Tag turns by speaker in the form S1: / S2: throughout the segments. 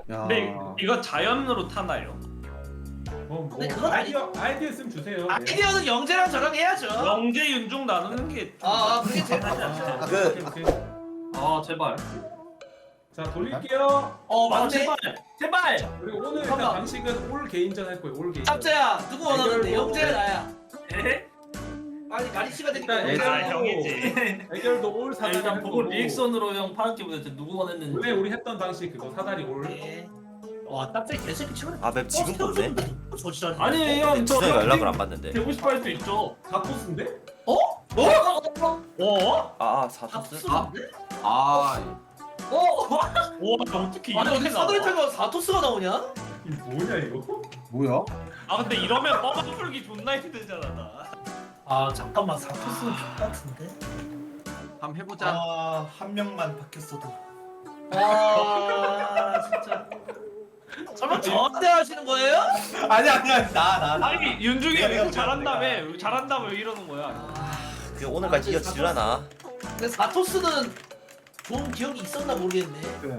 S1: 야.
S2: 근데 이거 자연으로 타나요?
S3: 뭐
S4: 근데 그건
S3: 아이디어 있으면 주세요. 네.
S4: 아이디어는 영재랑 저랑 해야죠.
S2: 영재 윤종 나누는 게.
S4: 그게 제일 낫지 않죠.
S3: 오케이.
S2: 제발.
S3: 자 돌릴게요.
S4: 맞네.
S2: 제발.
S3: 그리고 오늘 일단
S4: 잠깐만.
S3: 방식은 올 개인전 할 거예요. 올 개인전.
S4: 짭짜야 누구 원하는데?
S3: 대결도-
S4: 영재야 나야.
S2: 에?
S4: 빨리 가리치가 되니까
S3: 일단
S4: 영재야.
S2: 형이지.
S3: 대결도 올 사다리
S2: 일단
S3: 할
S2: 보고
S3: 거고.
S2: 리액션으로 형 파란기 보냈지 누구 원했는지.
S3: 원래 우리 했던 방식 그거 사다리 올.
S4: 예. 와 짭짜 개새끼 치고.
S5: 아맵 지금 떴네?
S4: 저지랄.
S2: 아니 형 저
S5: 주성이 연락을 안 받는데.
S2: 되고 싶어 할 수 있죠.
S3: 다 코스인데?
S4: 어?
S5: 사토스?
S4: 와
S2: 어떻게
S4: 아니 어디
S2: 이렇게
S4: 사다리
S2: 나와?
S4: 타고 사토스가 나오냐?
S3: 이게 뭐냐 이거?
S1: 뭐야?
S2: 근데 이러면 뻥 풀기 존나 힘들잖아 나.
S4: 잠깐만 사토스는 같은데.
S6: 한번 해보자.
S7: 한 명만 바뀌었어도.
S4: 진짜. 설마 저한테 하시는 거예요?
S7: 아니야 나.
S2: 아니 윤중이
S7: 내가
S2: 왜 잘한다며 잘한다며 왜 이러는 거야?
S5: 그 오늘까지 이어지려나?
S4: 근데 사토스는 좋은 기억이 있었나 모르겠네.
S1: 그래.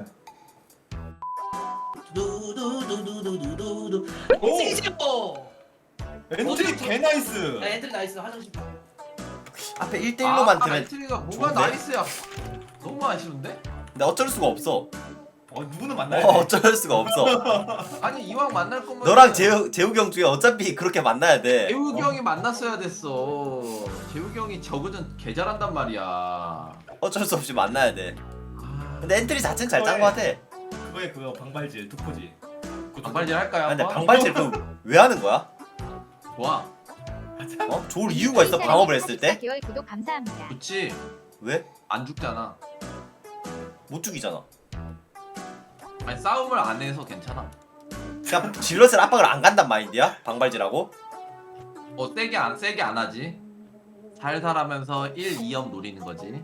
S4: 두두두두두두두.
S7: 오!
S4: 오!
S7: 엔트리 개 나이스.
S4: 엔트리 나이스 화장실.
S5: 앞에 1대1로만 들면
S6: 엔트리가 뭐가
S5: 좋은데?
S6: 나이스야. 너무 아쉬운데?
S5: 근데 어쩔 수가 없어.
S7: 누구는 만나야 돼.
S5: 어쩔 수가 없어.
S6: 아니 이왕 만날 거면
S5: 너랑 재욱이 형 중에 어차피 그렇게 만나야 돼.
S6: 재욱이 형이 만났어야 됐어. 재욱이 형이 저그전 개 잘한단 말이야.
S5: 어쩔 수 없이 만나야 돼.
S6: 아,
S5: 근데 엔트리 자체는 잘 짠 거 같아.
S7: 그거에 그거 방발질 투포지.
S6: 반발질 할까요?
S5: 근데
S6: 한번?
S5: 방발질 왜 하는 거야?
S6: 좋아.
S5: 좋을 이유가 있어 방업을 했을 때?
S8: 4개월 구독 감사합니다.
S6: 좋지.
S5: 왜?
S6: 안 죽잖아.
S5: 못 죽이잖아.
S6: 아니 싸움을 안 해서 괜찮아.
S5: 그냥 질럿을 압박을 안 간단 마인드야? 방발질하고?
S6: 세게 안 하지. 살살하면서 1, 2업 노리는 거지.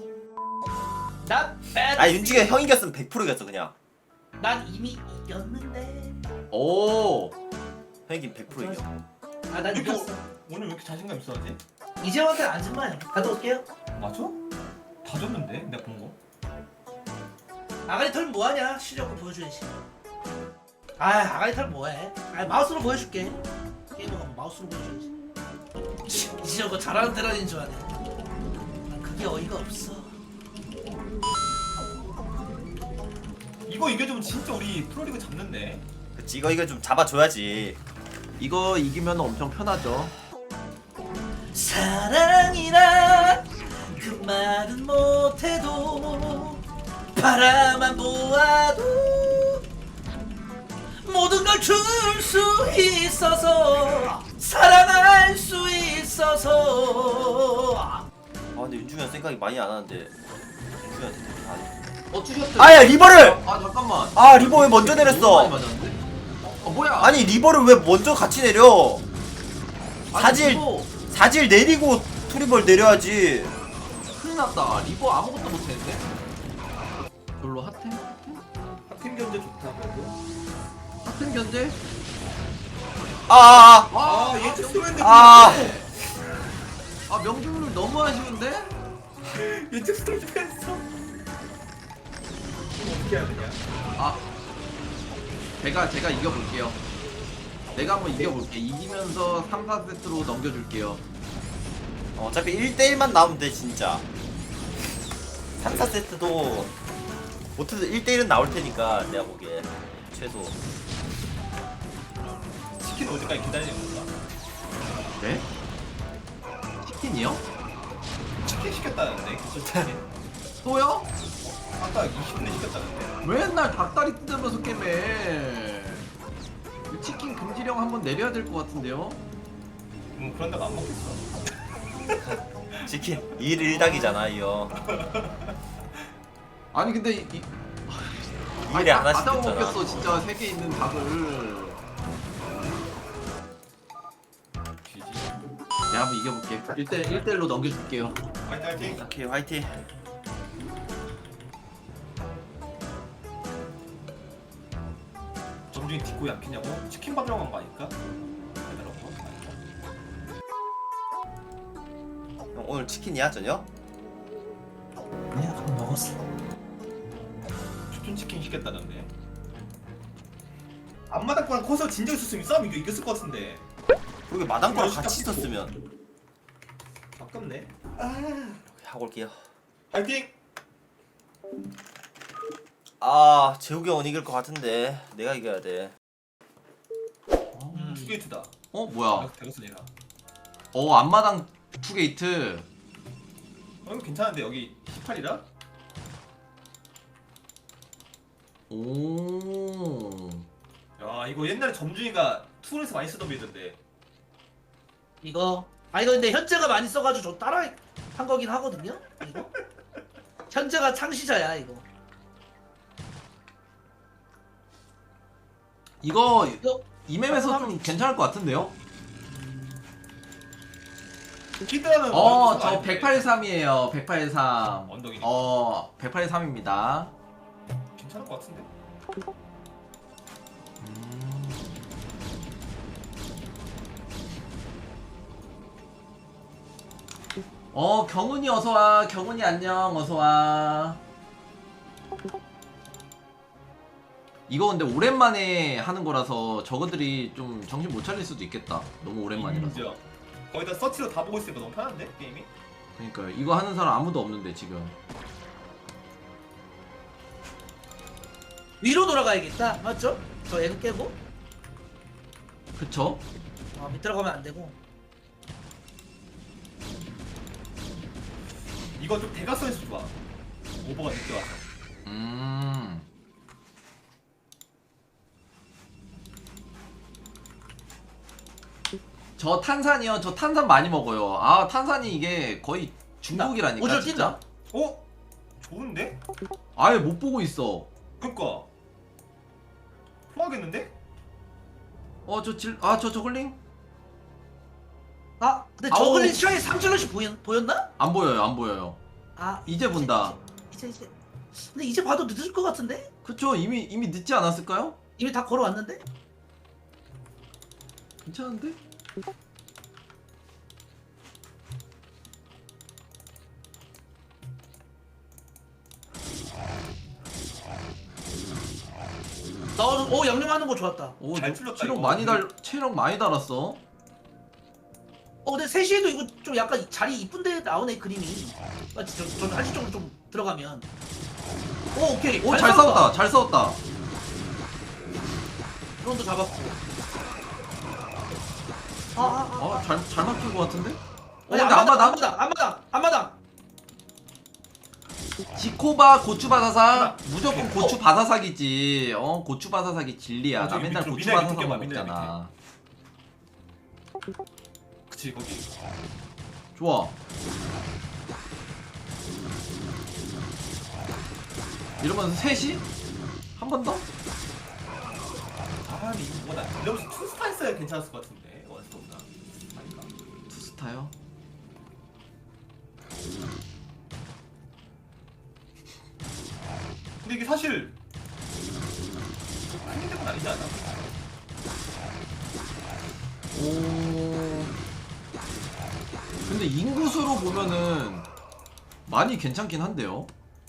S4: 난 bad.
S5: 윤중이 형 이겼으면 100% 이겼어 그냥.
S4: 난 이미 이겼는데.
S6: 오.
S5: 형 이긴 100% 이겨.
S4: 난 이겼어.
S7: 오늘 왜 이렇게 자신감 있어하지?
S4: 이재원한테 안 진마요. 갔다 올게요.
S7: 맞아? 다 줬는데 내가 본 거.
S4: 아가리 털 뭐하냐? 실력을 보여줘야지. 아가리 털 뭐해? 마우스로 보여줄게. 게임을 가면 마우스로 보여줘야지. 이제 저거 잘하는 테란인 줄 아네. 그게 어이가 없어.
S7: 이거 이겨주면 진짜 우리 프로리그 잡는데.
S5: 그치 이거 좀 잡아줘야지.
S6: 이거 이기면 엄청 편하죠.
S4: 사랑이란 그 말은 못해도 바라만 보아도 모든 걸 줄 수 있어서 사랑할 수 있어서.
S5: 근데 윤중이 형 생각이 많이 안 하는데 윤중이 형한테 다
S6: 주셨어요.
S5: 아야 리버를!
S6: 잠깐만.
S5: 리버 왜 먼저
S6: 너무
S5: 내렸어?
S6: 많이 맞았는데? 뭐야?
S5: 아니 리버를 왜 먼저 같이 내려?
S6: 아니, 리버
S5: 사질 내리고 투리벌 내려야지.
S6: 큰일 났다. 리버 아무것도 못했는데? 별로 핫템?
S7: 팀 견제 좋다 그래도.
S6: 핫템 견제?
S7: 얘 스토리인데.
S6: 명중률 너무 아쉬운데?
S7: 얘 스토리 좀 했어. 어떻게 해야 되냐?
S6: 제가 이겨볼게요. 내가 한번 이겨볼게. 이기면서 3, 4세트로 넘겨줄게요.
S5: 어차피 1대1만 나오면 돼 진짜. 3, 4세트도 못해도 1대1은 나올 테니까 내가 보기에 최소.
S7: 치킨 어디까지 기다리는 건가?
S6: 네? 치킨이요?
S7: 치킨 시켰다는데 기술치킨.
S6: 또요?
S7: 아까 20분에 시켰다는데.
S6: 맨날 닭다리 뜯으면서 게임해. 이 치킨 금지령 한번 내려야 될 것 같은데요?
S7: 그런 데가 안 먹겠어.
S5: 치킨 2일 1닭이잖아 이거.
S6: 아니 근데
S5: 2일에 하나씩
S6: 다
S5: 됐잖아.
S6: 먹겠어 진짜 3개 있는 닭을.
S7: GG.
S6: 내가 한번 이겨볼게. 1대1로 넘겨줄게요.
S7: 화이팅.
S5: 오케이 화이팅.
S7: 점중이 딛고 약했냐고? 치킨 받으러 간 거 아닐까? 배달하고.
S5: 형 오늘 치킨이야 저녁?
S4: 내가 그거 먹었어.
S7: 추천 치킨 시켰다던데. 앞마당 거랑 커서 진정 있었으면 이 싸움 이겼을 것 같은데.
S5: 그렇게 마당 거랑 같이 있었으면
S7: 아깝네.
S5: 하고 올게요.
S7: 파이팅.
S5: 아 재욱이 형은 이길 것 같은데 내가 이겨야 돼.
S7: 투게이트다.
S6: 뭐야?
S7: 대거스네라.
S6: 앞마당 투게이트.
S7: 이거 괜찮은데 여기 18이라?
S6: 오.
S7: 야 이거 옛날에 점준이가 투에서 많이 쓰던 빌드인데.
S4: 이거 이거 근데 현재가 많이 써가지고 저 따라 한 거긴 하거든요. 이거 현재가 창시자야 이거.
S6: 이거
S4: 이거
S6: 이 맵에서 좀 괜찮을 것 같은데요?
S7: 키드라는
S6: 저 183이에요. 183.
S7: 언덕이니까
S6: 183입니다.
S7: 괜찮을 것 같은데.
S6: 경훈이 어서와. 경훈이 안녕. 어서와. 이거 근데 오랜만에 하는 거라서 저거들이 좀 정신 못 차릴 수도 있겠다. 너무 오랜만이라서.
S7: 인정. 거의 다 서치로 다 보고 있으니까 너무 편한데 게임이?
S6: 그러니까 이거 하는 사람 아무도 없는데 지금.
S4: 위로 돌아가야겠다. 맞죠? 저 애도 깨고
S6: 그쵸?
S4: 밑으로 가면 안 되고.
S7: 이거 좀 대각선에서 좋아. 오버가 늦게 와서.
S6: 저 탄산이요. 저 탄산 많이 먹어요. 아 탄산이 이게 거의 중국이라니까
S4: 오절
S6: 진짜.
S4: 뛴다.
S7: 어? 좋은데?
S6: 아예 못 보고 있어.
S7: 그니까 통하겠는데?
S6: 저 저글링?
S4: 근데
S6: 아우.
S4: 저글린 시야에 3질럿이 보였나?
S6: 안 보여요. 안 보여요. 이제 본다.
S4: 이제. 근데 이제 봐도 늦을 것 같은데?
S6: 그쵸? 이미 늦지 않았을까요?
S4: 이미 다 걸어왔는데?
S6: 괜찮은데?
S4: 양념하는 거 좋았다.
S6: 오,
S7: 잘 풀렸다,
S6: 체력
S7: 이거.
S6: 체력 많이 달았어.
S4: 근데 3시에도 이거 좀 약간 자리 이쁜데 나오네 그림이. 맞지? 전 한시적으로 좀 들어가면. 오케이.
S6: 잘 싸웠다. 잘 싸웠다.
S4: 드론도 잡았고.
S6: 잘 막힌 것 같은데?
S4: 아니,
S6: 근데
S4: 앞마당.
S6: 지코바 고추 바사삭 무조건 고추 바사삭이지. 고추 바사삭이 진리야. 나
S7: 저기
S6: 맨날
S7: 밑으로
S6: 고추
S7: 미나리
S6: 바사삭
S7: 껴봐, 미나리
S6: 먹잖아.
S7: 그치 거기.
S6: 좋아. 이러면 셋이 한 번 더?
S7: 근데 이거 뭐나 이러면서 투스타 했어야 괜찮았을 것 같은데 원스톱보다. 아닌가?
S6: 투스타요?
S7: 근데 이게 사실 큰 힘든 아니지 않아?
S6: 근데 인구수로 보면은 많이 괜찮긴 한데요.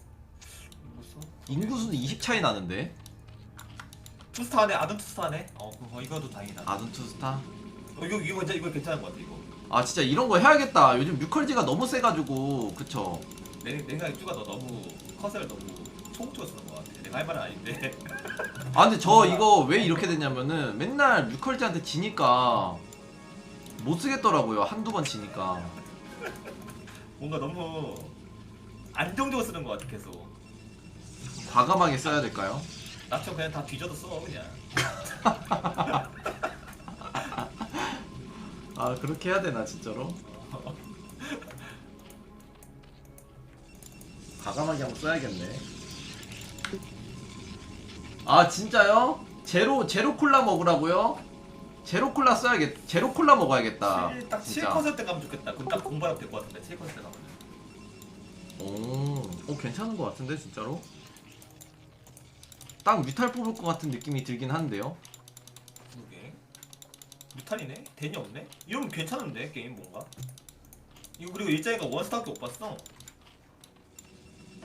S6: 인구수는 20 차이 나는데.
S7: 투스타 하네, 아든 투스타 하네. 이거도 다행이다.
S6: 아둔 투스타.
S7: 이거 괜찮은 것 같아 이거.
S6: 아 진짜 이런 거 해야겠다. 요즘 뮤컬지가 너무 세가지고. 그쵸?
S7: 내 생각에 쭈가 너 너무 컷을 너무 초국적으로 쓰는 것 같아. 내가 할 말은 아닌데.
S6: 근데 저 이거 왜 이렇게 됐냐면은 맨날 뮤컬지한테 지니까 못 쓰겠더라고요. 한두 번 지니까.
S7: 뭔가 너무 안정적으로 쓰는 것 같아 계속.
S6: 과감하게 써야 될까요?
S7: 나처럼 그냥 다 뒤져도 써 그냥.
S6: 그렇게 해야 되나 진짜로? 과감하게 한번 써야겠네. 진짜요? 제로 콜라 먹으라고요? 제로 콜라 제로 콜라 먹어야겠다.
S7: 딱
S6: 진짜.
S7: 7컷을 때 가면 좋겠다. 그럼 딱 공부하면 될 것 같은데 7컷을 때 가면.
S6: 괜찮은 것 같은데 진짜로? 딱 뮤탈 뽑을 것 같은 느낌이 들긴 한데요.
S7: 그러게. 뮤탄이네? 대니 없네? 이러면 괜찮은데 게임 뭔가? 이거 그리고 일자이가 원스타밖에 못 봤어.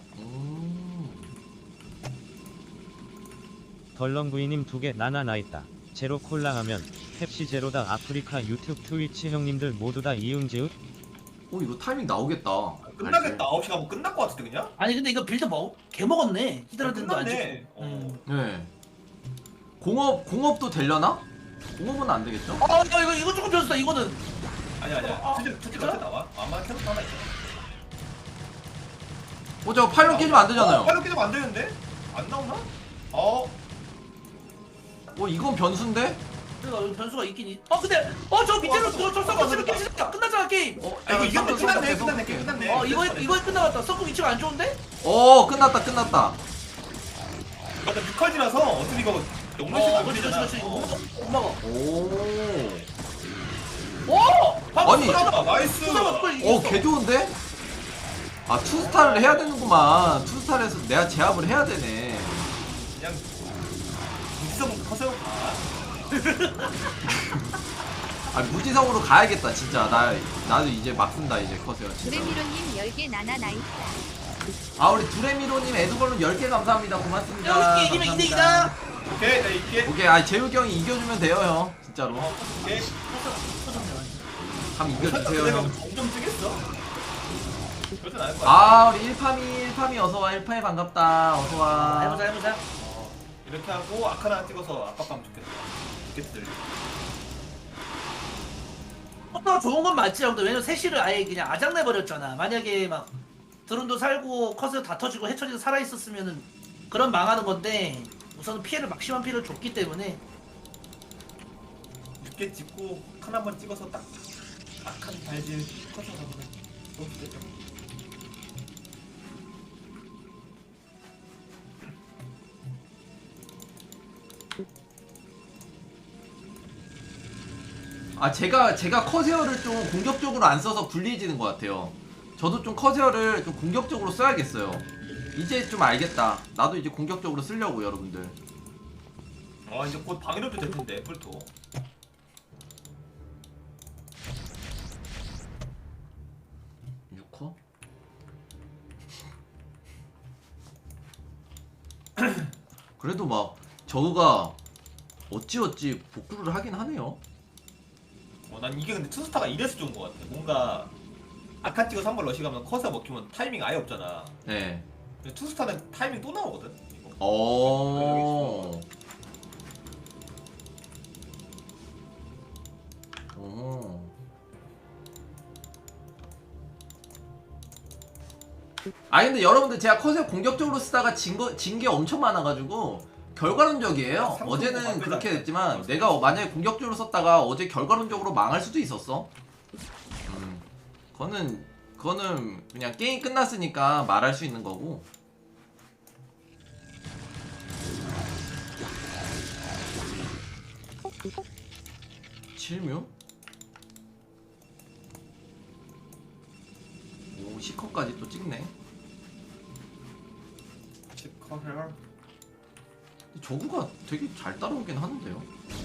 S1: 덜렁구이님 2개 나나 나 있다. 제로 콜라 하면 펩시 제로다. 아프리카 유튜브 트위치 형님들 모두 다 이응지읒.
S6: 오 이거 타이밍 나오겠다.
S7: 끝나겠다. 9시 가면 끝날 것 같은데 그냥?
S4: 아니 근데 이거 빌드 개 먹었네. 히드라든도 안
S7: 끝났네.
S4: 찍고.
S6: 네. 공업도 되려나? 공업은 안 되겠죠?
S4: 이거 조금 변수다. 이거는
S7: 아니야. 투지 어떻게 나와? 아마 계속 하나 있어.
S6: 저 파일럿 깨지면 안 되잖아요.
S7: 빨리 깨지면 안 되는데? 안 나오나?
S6: 이건 변수인데?
S4: 그러니까 여기 변수가 있긴 근데 저 밑에로 저 썩고 치면 깨지잖아. 끝났잖아 게임.
S7: 이거 이겼네. 끝났네.
S6: 계속.
S7: 끝났네.
S4: 이거에 끝나갔다. 썩고 위치가 안 좋은데?
S6: 끝났다.
S7: 일단 뮤컬지라서 어차피 이거 영문식 안
S4: 그렇지.
S7: 되잖아.
S4: 이거 못 막아.
S6: 오. 아니.
S7: 나이스.
S6: 개 좋은데? 투스타를 해야 되는구만. 투스타를 해서 내가 제압을 해야 되네.
S7: 그냥 무지성 커서
S6: 무지성으로 가야겠다 진짜. 나도 이제 막 쓴다 이제 커세요 진짜.
S8: 드레미로님 10개 나나 나이스.
S6: 우리 두레미로님 에드벌룬 10개 감사합니다. 고맙습니다.
S4: 이기면
S6: 감사합니다.
S4: 2대2다.
S7: 오케이 나 이게
S6: 오케이. 재욱이 형이 이겨주면 돼요 형 진짜로.
S7: 오케이.
S6: 한번 이겨주세요
S7: 내가
S6: 형.
S7: 점점 뜨겠어. 그러진 않을 거야.
S6: 우리 1파미 어서와. 1파미 반갑다. 어서와.
S4: 해보자.
S7: 이렇게 하고 아카나 찍어서 압박하면 좋겠다. 좋겠들.
S4: 커터가 좋은 건 맞지 형들. 왜냐면 세시를 아예 그냥 아작내버렸잖아. 만약에 막 드론도 살고 커서 다 터지고 해처리도 살아있었으면은 그런 망하는 건데 우선은 막심한 피해를 줬기 때문에
S7: 6개 찍고 칸 한 번 찍어서 딱 악한 발질 커서 가면 너무 좋겠죠.
S6: 제가 커세어를 좀 공격적으로 안 써서 불리해지는 것 같아요. 저도 좀 커세어를 좀 공격적으로 써야겠어요. 이제 좀 알겠다. 나도 이제 공격적으로 쓰려고 여러분들.
S7: 이제 곧 방해력도 될 텐데 뿔토.
S6: 그래도 막 저우가 어찌 복구를 하긴 하네요.
S7: 난 이게 근데 투스타가 이래서 좋은 것 같아. 뭔가 아칸 찍어서 한번 러시 가면 커서 먹히면 타이밍 아예 없잖아.
S6: 네.
S7: 근데 투스타는 타이밍 또 나오거든. 이거.
S6: 어. 근데 여러분들 제가 컷을 공격적으로 쓰다가 진 게 엄청 많아가지고 결과론적이에요. 어제는 그렇게 됐지만 내가 만약에 공격적으로 썼다가 어제 결과론적으로 망할 수도 있었어. 그거는 그냥 게임 끝났으니까 말할 수 있는 거고. 칠묘? 오, 시커까지 또 찍네.
S7: 치커헬.
S6: 저구가 되게 잘 따라오긴 하는데요.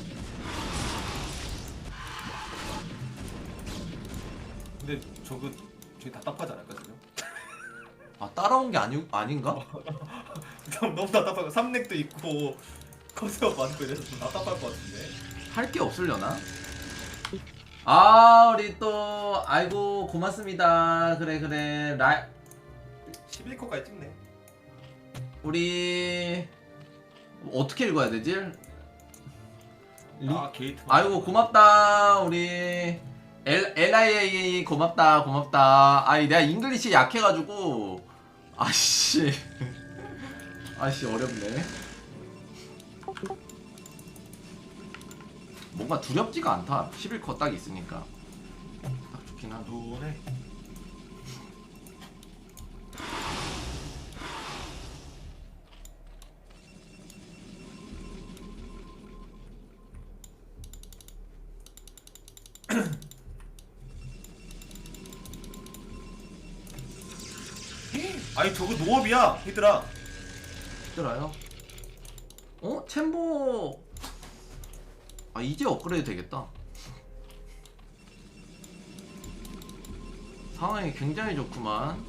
S7: 근데 저거 되게 답답하지 않을까 지금?
S6: 따라온 게 아닌가?
S7: 너무 답답하고 삼렉도 있고 커세어 많고 이래서 좀 답답할 것 같은데.
S6: 할 게 없으려나? 우리 또 아이고 고맙습니다. 그래
S7: 11코까지 찍네.
S6: 우리 어떻게 읽어야 되지?
S7: 게이트.
S6: 아이고 고맙다. 우리 LIA 고맙다. 내가 잉글리시 약해가지고 아씨 어렵네. 뭔가 두렵지가 않다. 11컷 딱 있으니까 딱 좋긴 하네.
S7: 노래. 아니 저거 노업이야 히드라.
S6: 힘들어요? 챔보 이제 업그레이드 되겠다. 상황이 굉장히 좋구만.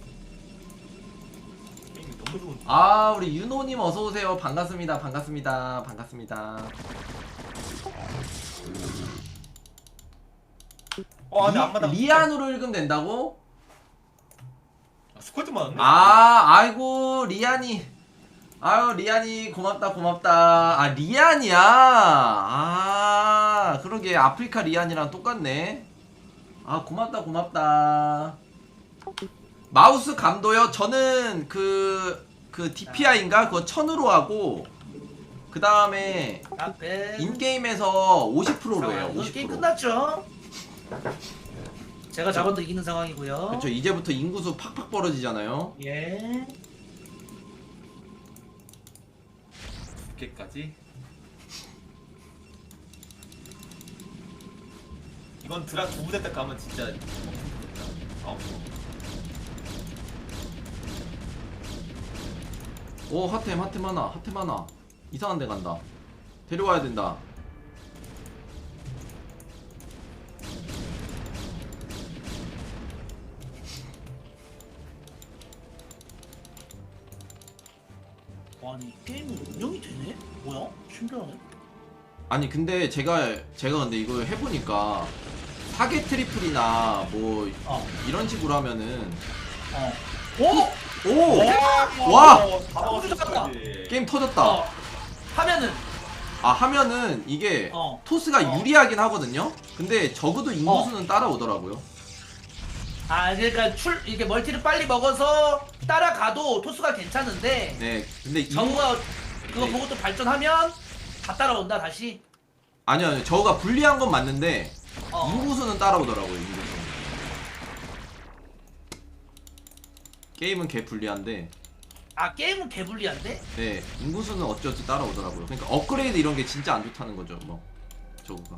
S7: 게임이 너무 좋은데.
S6: 우리 윤호님 어서오세요. 반갑습니다.
S7: 근데 안 맞아.
S6: 리안으로 읽으면 된다고?
S7: 스쿼트 맞았네.
S6: 아이고 리안이. 아유 리안이 고맙다. 아 리안이야. 아 그러게 아프리카 리안이랑 똑같네. 아 고맙다. 마우스 감도요? 저는 그 DPI인가 그거 1000으로 하고 그 다음에
S4: 앞에
S6: 인게임에서 50%로 해요.
S4: 이거 게임
S6: 50%.
S4: 끝났죠? 제가 잡아도 이기는 상황이고요.
S6: 그렇죠. 이제부터 인구수 팍팍 벌어지잖아요.
S4: 예.
S7: 2개까지. 이건 드랍 2부대 딱 가면 진짜.
S6: 오 핫템 하나 이상한 데 간다. 데려와야 된다.
S4: 아니 게임이 운영이 되네? 뭐야? 신기하네.
S6: 아니 근데 제가 근데 이거 해보니까 사계 트리플이나 뭐 이런 식으로 하면은
S4: 오!
S6: 오! 와!
S7: 다 먹었어.
S6: 게임 터졌다.
S4: 하면은
S6: 하면은 이게 토스가 유리하긴 하거든요. 근데 적어도 인구수는 따라오더라고요.
S4: 그러니까 이게 멀티를 빨리 먹어서 따라가도 토스가 괜찮은데
S6: 네. 근데
S4: 정우가 그거
S6: 네.
S4: 보고 또 발전하면 다 따라온다 다시.
S6: 아니요. 저거가 불리한 건 맞는데 인구수는 따라오더라고요. 인구수. 게임은 개 불리한데
S4: 게임은 개불리한데?
S6: 네 인구수는 어쩌지 따라오더라고요. 그러니까 업그레이드 이런 게 진짜 안 좋다는 거죠. 뭐 저거가.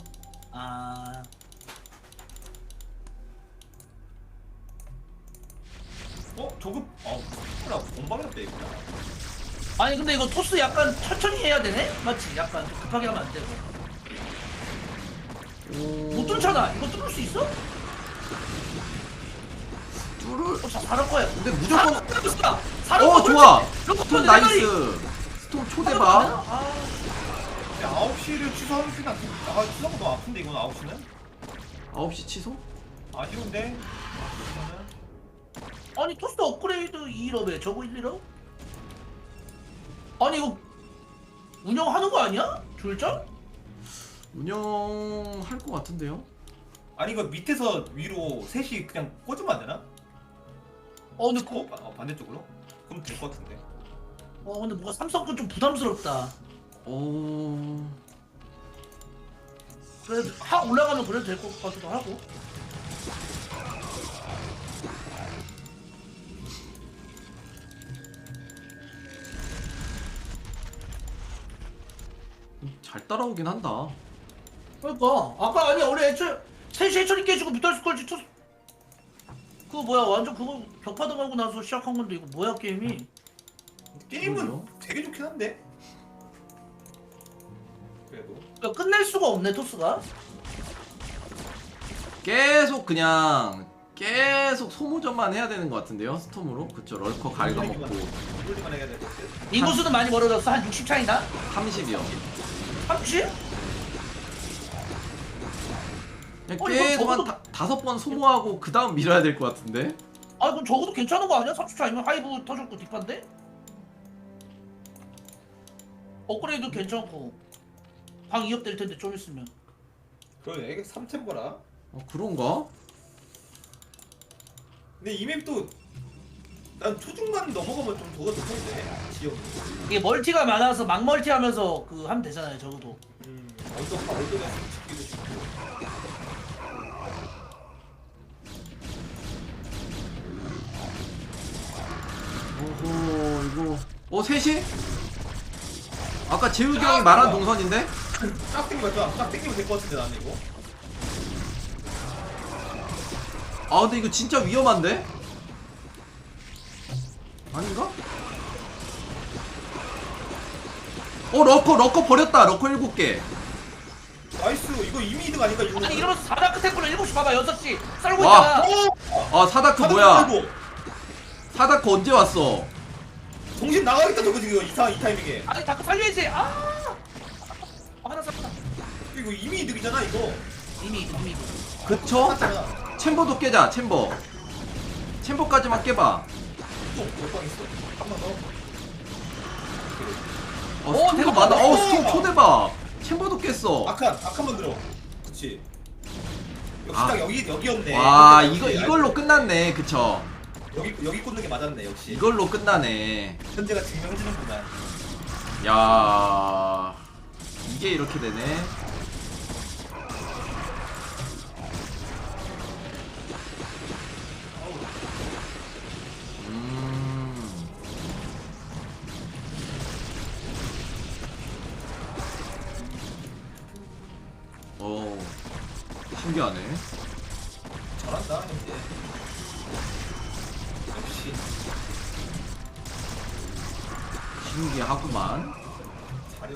S7: 조급. 뭐라 공방이었대 이거.
S4: 아니 근데 이거 토스 약간 천천히 해야 되네? 맞지? 약간 좀 급하게 하면 안 되고. 못 뚫잖아. 이거 뚫을 수 있어? 잘할 거야.
S6: 근데 무조건
S4: 좋아.
S6: 스톰 나이스. 스톰 초대박.
S7: 9시를 취소하면 그냥 취소하고 너무 아픈데 이건 9시는?
S6: 9시 취소?
S7: 아쉬운데?
S4: 아니 토스 업그레이드 2일업에 저거 1일업? 아니 이거 운영하는 거 아니야? 줄전?
S6: 운영할 것 같은데요?
S7: 아니 이거 밑에서 위로 셋이 그냥 꽂으면 안 되나?
S4: 근데
S7: 반대쪽으로? 그럼 될 것 같은데.
S4: 근데 뭔가 삼성 건 좀 부담스럽다. 그래도 올라가면 그래도 될 것 같기도 하고.
S6: 잘 따라오긴 한다.
S4: 그러니까 아까 아니 원래 애초에 셋이 해처리 깨지고 뮤탈스컬지 토스 그거 뭐야 완전 그거 격파도 가고 나서 시작한 건데 이거 뭐야 게임이?
S7: 게임은
S6: 그러게요.
S7: 되게 좋긴 한데. 그래도.
S4: 그러니까 끝낼 수가 없네 토스가.
S6: 계속 그냥 계속 소모전만 해야 되는 것 같은데요? 스톰으로? 그쵸 럴커 갉아먹고
S7: 이걸리만 해야 될 것 같아.
S4: 인구수는 많이 멀어졌어. 한 60 차이나?
S6: 30이요.
S4: 30?
S6: 그냥 계속 한 5번 소모하고 그 다음 밀어야 될 것 같은데?
S4: 그럼 적어도 괜찮은 거 아니야? 30 차이면 하이브 터졌고 뒷판데? 업그레이드 괜찮고 방 2업 될 텐데 좀 있으면.
S7: 그러네. 이게 3템버라.
S6: 그런가?
S7: 근데 이 맵도 난 초중반 넘어가면 좀 도가 좋던데. 지역.
S4: 이게 멀티가 많아서 막 멀티하면서 그 하면 되잖아요 적어도.
S7: 얼도가 지키기도 쉽고.
S6: 오호 이거 셋이? 아까 재욱이 형이 말한 동선인데?
S7: 딱 땡기면 좋아. 딱 땡기면 될 것 같은데 나는 이거.
S6: 근데 이거 진짜 위험한데? 아닌가? 럭커 버렸다. 럭커 7개.
S7: 나이스. 이거 이미 2등 아닌가 이거.
S4: 아니 이러면서 4다크 템플러 7시 봐봐 6시 썰고
S6: 와.
S4: 있잖아.
S6: 사다크 뭐야? 사다크 언제 왔어?
S7: 정신 나가겠다 저거 지금 이 타이밍에.
S4: 아니 다크 살려야지. 하나 쌌다.
S7: 이거 이미 이득이잖아 이거.
S4: 이미.
S6: 그쵸?
S7: 맞잖아.
S6: 챔버도 깨자 챔버. 챔버까지만 깨봐.
S7: 또몇방 있어. 한 번 더.
S6: 스톤도
S4: 대박,
S6: 많아.
S4: 대박.
S6: 스톤 초대박. 챔버도 깼어.
S7: 아칸 만들어. 그렇지. 역시
S6: 아.
S7: 딱 여기였네.
S6: 와
S7: 역시
S6: 이걸로 끝났네. 그쵸?
S7: 여기 꽂는 게 맞았네 역시.
S6: 이걸로 끝나네.
S7: 현재가 증명지는구만.
S6: 야 이게 이렇게 되네. 신기하네.
S7: 잘한다 현재. 역시
S6: 신기하구만.
S7: 잘해.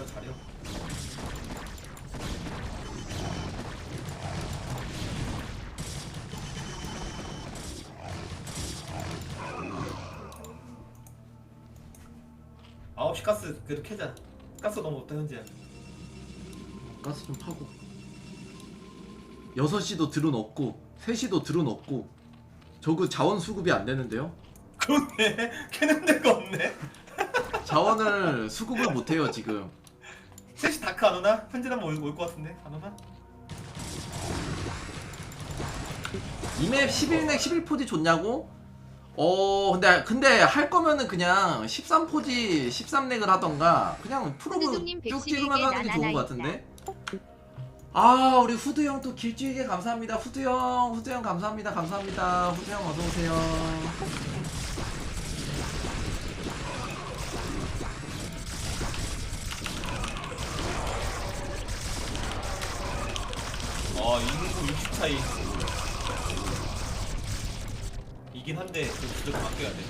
S7: 아홉 시 가스 그래도 캐자. 가스 너무 없다 현재.
S6: 가스 좀 파고. 6시도 드론 없고 3시도 드론 없고 저거 자원 수급이 안 되는데요?
S7: 그렇네. 캐는 데가 없네.
S6: 자원을 수급을 못 해요 지금.
S7: 셋이 다크 안 오나? 현재는 올것 같은데 안 오나?
S6: 이맵 11넥 11포지 좋냐고? 근데 할 거면은 그냥 13포지 13넥을 하던가 그냥 프로브
S8: 후드종님
S6: 쭉
S8: 111개
S6: 찍으면서 하는 게 좋은 거 같은데? 아 우리 후드 형 또 길쭉이게 감사합니다. 후드 형 감사합니다. 후드 형 어서 오세요.
S7: 인구 60 차이. 이긴 한데 그 주제가 바뀌어야 돼.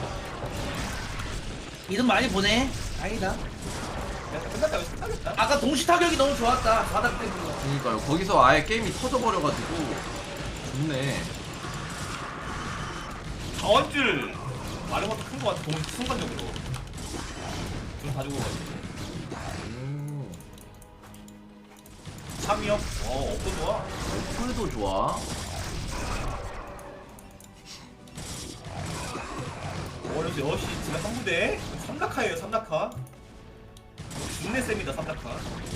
S4: 이름 많이 보내. 다행이다.
S7: 야, 끝났다. 여기서 끝나겠다.
S4: 아까 동시 타격이 너무 좋았다. 바닥 때문에.
S6: 그러니까요. 거기서 아예 게임이 터져버려가지고 좋네.
S7: 자원줄 많은 것도 큰 거 같아. 순간적으로. 좀 다 죽어가지고. 참이요? 업도 좋아.
S6: 풀도 좋아.
S7: 여시 지금 한 부대. 3낙하예요 3낙하. 중내 쌤이다 3낙하.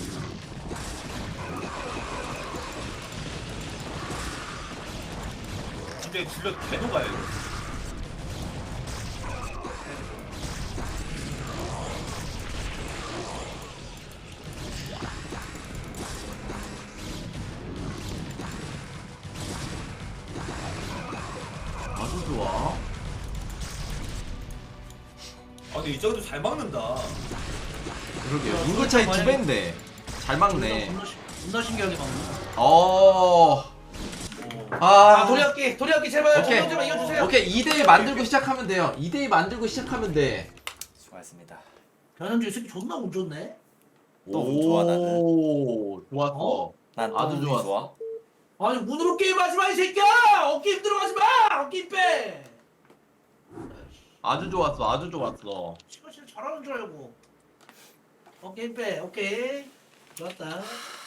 S7: 진짜 질러 개노가요 이거.
S6: 아주 좋아.
S7: 근데 이 정도 잘 막는다.
S6: 그러게요. 인구 차이 2배인데 잘 막네.
S4: 존나 신기하게 막네. 도리학기 제발
S6: 오케이.
S4: 정면 좀 이겨주세요.
S6: 오케이 2대2 만들고 시작하면 돼요. 2대2 만들고 시작하면 돼.
S5: 수고하셨습니다.
S4: 변현주 이 새끼 존나 운 좋네.
S5: 또 운 좋아 나는.
S6: 좋았어.
S4: 어?
S5: 난
S6: 아주
S5: 운이
S6: 좋았어.
S5: 좋아.
S4: 아니 운으로 게임하지 마 이 새끼야. 어깨 힘들어 가지 마. 어깨 힘 빼.
S6: 아주 좋았어.
S4: 시간 잘하는 줄 알고. 어깨 힘 빼. 오케이. 좋았다.